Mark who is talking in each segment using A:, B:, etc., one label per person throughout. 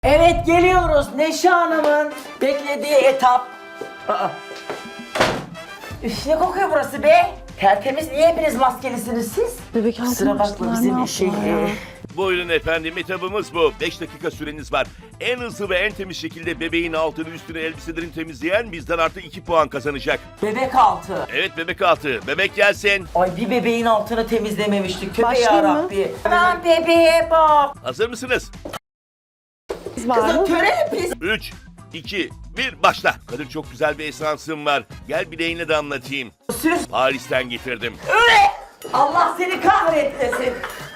A: Evet, geliyoruz Neşe Hanım'ın beklediği etap. Üf, ne kokuyor burası be? Tertemiz, niye hepiniz maskelisiniz siz?
B: Bebek altına
A: Kusura bakma,
B: açtılar,
A: bizim
B: ne
A: şey...
B: yaptılar ya?
C: Buyurun efendim, etabımız bu. 5 dakika süreniz var. En hızlı ve en temiz şekilde bebeğin altını üstünü elbiselerini temizleyen bizden artı 2 puan kazanacak.
A: Bebek altı.
C: Evet, bebek altı. Bebek gelsin.
A: Ay, bir bebeğin altını temizlememiştik. Tövbe
B: Başlayayım mı?
A: yarabbi. Aman bebeğe bak.
C: Hazır mısınız?
B: Biz var
A: Kızım
B: mı?
A: töre pis.
C: 3, 2, 1, başla. Kadir, çok güzel bir esansım var. Gel bileğine de anlatayım.
A: Süs.
C: Paris'ten getirdim.
A: Öyle. Allah seni kahretmesin.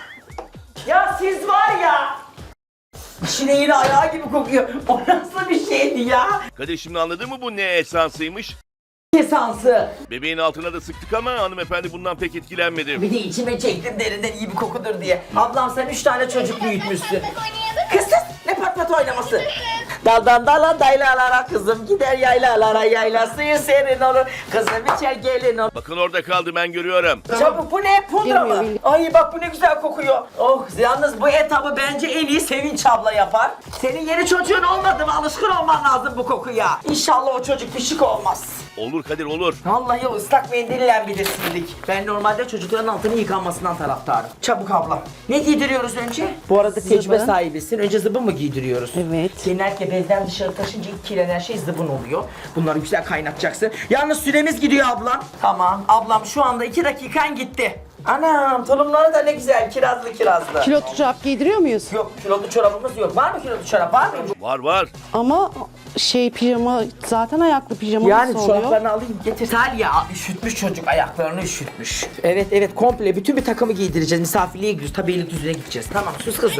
A: Ya siz var ya. İşine yine ayağı gibi kokuyor. O nasıl bir şeydi ya?
C: Kadir, şimdi anladın mı bu ne esansıymış?
A: Esansı.
C: Bebeğin altına da sıktık ama hanımefendi bundan pek etkilenmedi.
A: Bir de içime çektim derinden iyi bir kokudur diye. Ablam sen 3 tane çocuk büyütmüşsün. Kız ne pat pat oynaması? Daldan dala daylalara kızım gider yaylalara yaylası serin olur. Kızım içer gelin olur.
C: Bakın orada kaldı, ben görüyorum.
A: Çabuk, bu ne? Pudra mı?
B: Bilmiyorum.
A: Ay bak, bu ne güzel kokuyor. Oh, yalnız bu etabı bence en iyi Sevinç abla yapar. Senin yeni çocuğun olmadı mı? Alışkın olman lazım bu kokuya. İnşallah o çocuk pişik olmaz.
C: Olur Kadir, olur.
A: Vallahi o ıslak mendille bir de sildik. Ben normalde çocukların altını yıkanmasından taraftarım. Çabuk abla. Ne giydiriyoruz önce? Bu arada tecrübe
B: Zıbın.
A: sahibisin. Önce zıbın mı giydiriyoruz?
B: Evet.
A: Genellikle bezden dışarı taşınca ilk kirlenen şey zıbın oluyor. Bunları güzel kaynatacaksın. Yalnız süremiz gidiyor ablam. Tamam. Ablam şu anda 2 dakikan gitti. Anam, tulumları da ne güzel, kirazlı.
B: Kilotlu çorap giydiriyor muyuz?
A: Yok, kilolu çorabımız yok. Var mı kilolu çorap? Var mı?
C: Var var.
B: Ama pijama zaten ayaklı pijama
A: Yani
B: nasıl oluyor?
A: çoraplarını alayım getir. Talya üşütmüş çocuk, ayaklarını üşütmüş. Evet komple bütün bir takımı giydireceğiz. Misafirliğe gidiyoruz. Tabii Beylikdüzü'ne gideceğiz. Tamam, sus kızım.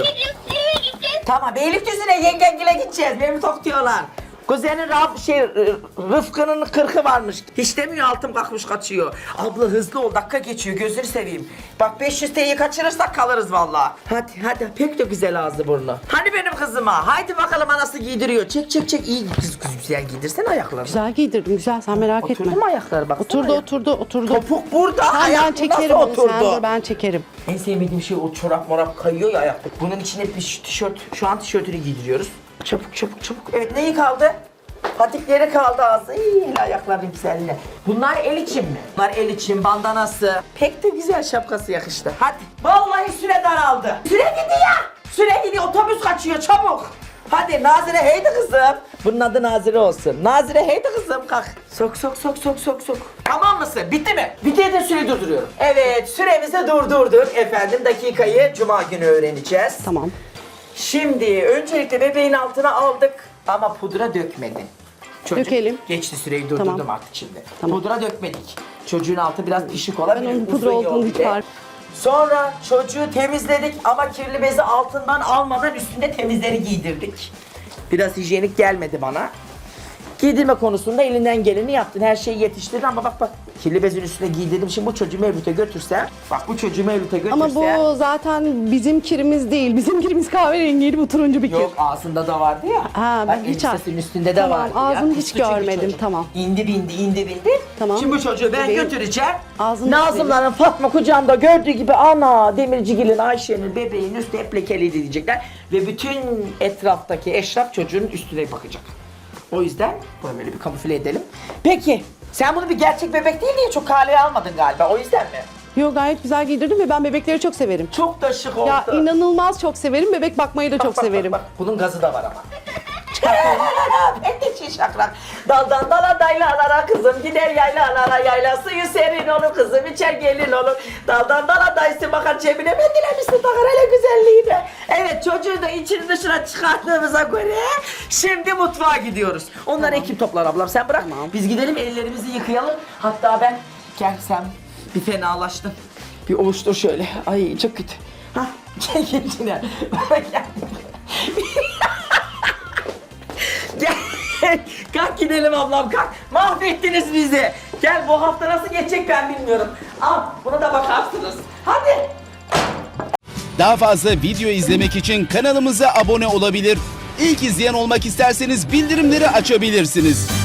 A: Tamam, Beylikdüzü'ne yengengile gideceğiz. Beni tok diyorlar. Kuzenin Rıfkı'nın 40'ı varmış. Hiç demiyor, altım kalkmış kaçıyor. Abla hızlı ol, dakika geçiyor, gözünü seveyim. Bak 500 TL'yi kaçırırsak kalırız vallahi. Hadi pek de güzel ağzı burnu. Hani benim kızıma, haydi bakalım, anası giydiriyor. Çek iyi kız güzel giydirsen ayaklarını.
B: Güzel giydirdim, güzel, sen merak etme.
A: Oturdu mu ayakları, baksana.
B: Oturdu.
A: Topuk burada,
B: Tamam, ben
A: ayak
B: çekerim
A: nasıl
B: onu, sen
A: oturdu?
B: dur, ben çekerim.
A: En sevmediğim şey o çorap morap kayıyor ya ayakta. Bunun içine bir tişört, şu an tişörtünü giydiriyoruz. Çabuk. Evet, neyi kaldı? Patikleri kaldı ağzı. İyi, ayakların güzelliğine. Bunlar el için mi? Bunlar el için, bandanası. Pek de güzel, şapkası yakıştı. Hadi. Vallahi süre daraldı. Süre gidiyor. Süre gidiyor, otobüs kaçıyor, çabuk. Hadi Nazire, heydi kızım. Bunun adı Nazire olsun. Nazire, heydi kızım, kalk. Sok. Tamam mısın? Bitti mi? Bitti de süreyi durduruyorum. Evet, süremizi durdurduk efendim. Dakikayı cuma günü öğreneceğiz.
B: Tamam.
A: Şimdi öncelikle bebeğin altına aldık ama pudra dökmedin. Çocuk
B: Dökelim.
A: geçti, süreyi durdurdum
B: Tamam.
A: artık şimdi.
B: Tamam.
A: Pudra dökmedik. Çocuğun altı biraz pişik olabilir.
B: Ben onun pudra
A: uzun
B: olduğunu
A: yol
B: hiç
A: bile.
B: fark.
A: Sonra çocuğu temizledik ama kirli bezi altından almadan üstünde temizleri giydirdik. Biraz hijyenik gelmedi bana. Giydirme konusunda elinden geleni yaptın. Her şeyi yetiştirdin ama bak kirli bezin üstüne giydirdim. Şimdi bu çocuğu Mevlüt'e götürsem, bak bu çocuğu Mevlüt'e götürsem.
B: Ama bu zaten bizim kirimiz değil. Bizim kirimiz kahverengiydi, bu turuncu bir kir.
A: Yok, ağzında da vardı ya.
B: Ha, ben
A: Bak,
B: hiç
A: elbisesinin üstünde de
B: Tamam,
A: vardı ya.
B: ağzını hiç
A: Pisli çünkü
B: görmedim,
A: çocuk.
B: tamam.
A: İndi bindi.
B: Tamam.
A: Şimdi bu çocuğu ben
B: Bebeğin
A: götüreceğim.
B: ağzını
A: Nazımların Fatma kucağında gördüğü gibi, ana Demircigil'in, Ayşe'nin bebeğin üstü hep lekeliydi diyecekler. Ve bütün etraftaki eşraf çocuğun üstüne bakacak. O yüzden bunu böyle bir kamufle edelim. Peki sen bunu bir gerçek bebek değil diye çok kaleye almadın galiba, o yüzden mi?
B: Yok, gayet güzel giydirdim ve ben bebekleri çok severim.
A: Çok da şık oldu.
B: Ya inanılmaz çok severim, bebek bakmayı da çok severim.
A: Bak, bunun gazı da var ama. Ben de şakrak. Daldan dala daylalara kızım gider yaylalara, yayla suyu serin olur, kızım içer gelin olur. Daldan dala dayısı bakar cebine, ben dilemişsin takar hele güzelliğine. Evet, çocuğu da içini dışına çıkarttığımıza göre şimdi mutfağa gidiyoruz. Onları ekip toplar ablam, sen bırak.
B: Tamam.
A: Biz gidelim, ellerimizi yıkayalım. Hatta ben gelsem bir fenalaştım. Bir ovuştur şöyle. Ay çok kötü. Hah, gel içine. Gel, kalk gidelim ablam, kalk. Mahvettiniz bizi. Gel, bu hafta nasıl geçecek ben bilmiyorum. Al, buna da bakarsınız. Hadi.
D: Daha fazla video izlemek için kanalımıza abone olabilir. İlk izleyen olmak isterseniz bildirimleri açabilirsiniz.